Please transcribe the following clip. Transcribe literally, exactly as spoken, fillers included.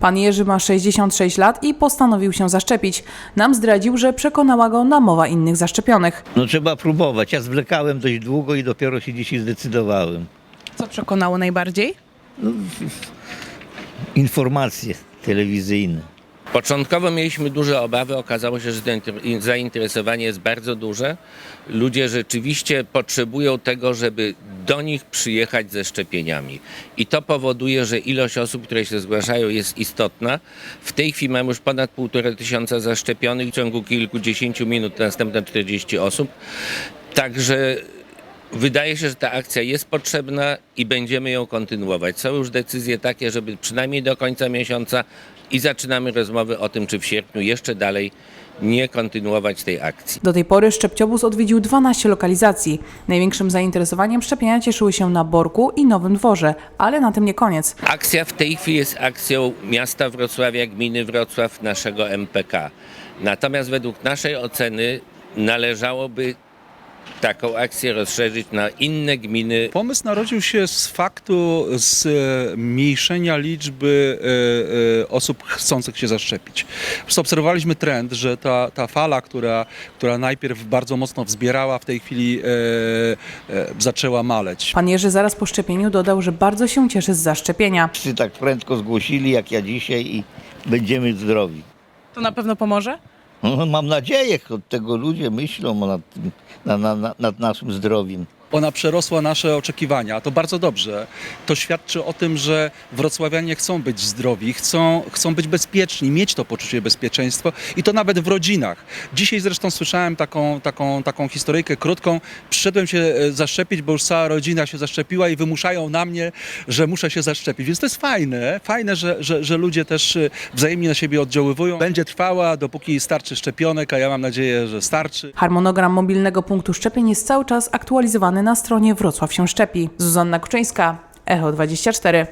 Pan Jerzy ma sześćdziesiąt sześć lat i postanowił się zaszczepić. Nam zdradził, że przekonała go namowa innych zaszczepionych. No trzeba próbować. Ja zwlekałem dość długo i dopiero się dzisiaj zdecydowałem. Co przekonało najbardziej? Informacje telewizyjne. Początkowo mieliśmy duże obawy, okazało się, że to zainteresowanie jest bardzo duże. Ludzie rzeczywiście potrzebują tego, żeby do nich przyjechać ze szczepieniami. I to powoduje, że ilość osób, które się zgłaszają, jest istotna. W tej chwili mamy już ponad półtora tysiąca zaszczepionych, w ciągu kilkudziesięciu minut następne czterdzieści osób. Także wydaje się, że ta akcja jest potrzebna i będziemy ją kontynuować. Są już decyzje takie, żeby przynajmniej do końca miesiąca i zaczynamy rozmowy o tym, czy w sierpniu jeszcze dalej nie kontynuować tej akcji. Do tej pory szczepciobóz odwiedził dwanaście lokalizacji. Największym zainteresowaniem szczepienia cieszyły się na Borku i Nowym Dworze, ale na tym nie koniec. Akcja w tej chwili jest akcją miasta Wrocławia, gminy Wrocław, naszego M P K. Natomiast według naszej oceny należałoby taką akcję rozszerzyć na inne gminy. Pomysł narodził się z faktu zmniejszenia liczby e, e, osób chcących się zaszczepić. Po prostu obserwowaliśmy trend, że ta, ta fala, która, która najpierw bardzo mocno wzbierała, w tej chwili e, e, zaczęła maleć. Pan Jerzy zaraz po szczepieniu dodał, że bardzo się cieszy z zaszczepienia. Wszyscy tak prędko zgłosili jak ja dzisiaj i będziemy zdrowi. To na pewno pomoże? No, mam nadzieję, od tego ludzie myślą nad, tym, na, na, na, nad naszym zdrowiem. Ona przerosła nasze oczekiwania, to bardzo dobrze. To świadczy o tym, że wrocławianie chcą być zdrowi, chcą, chcą być bezpieczni, mieć to poczucie bezpieczeństwa i to nawet w rodzinach. Dzisiaj zresztą słyszałem taką, taką, taką historyjkę krótką. Przyszedłem się zaszczepić, bo już cała rodzina się zaszczepiła i wymuszają na mnie, że muszę się zaszczepić. Więc to jest fajne, fajne, że, że, że ludzie też wzajemnie na siebie oddziaływują. Będzie trwała, dopóki starczy szczepionek, a ja mam nadzieję, że starczy. Harmonogram mobilnego punktu szczepień jest cały czas aktualizowany na stronie Wrocław się szczepi. Zuzanna Kuczyńska, Echo dwadzieścia cztery.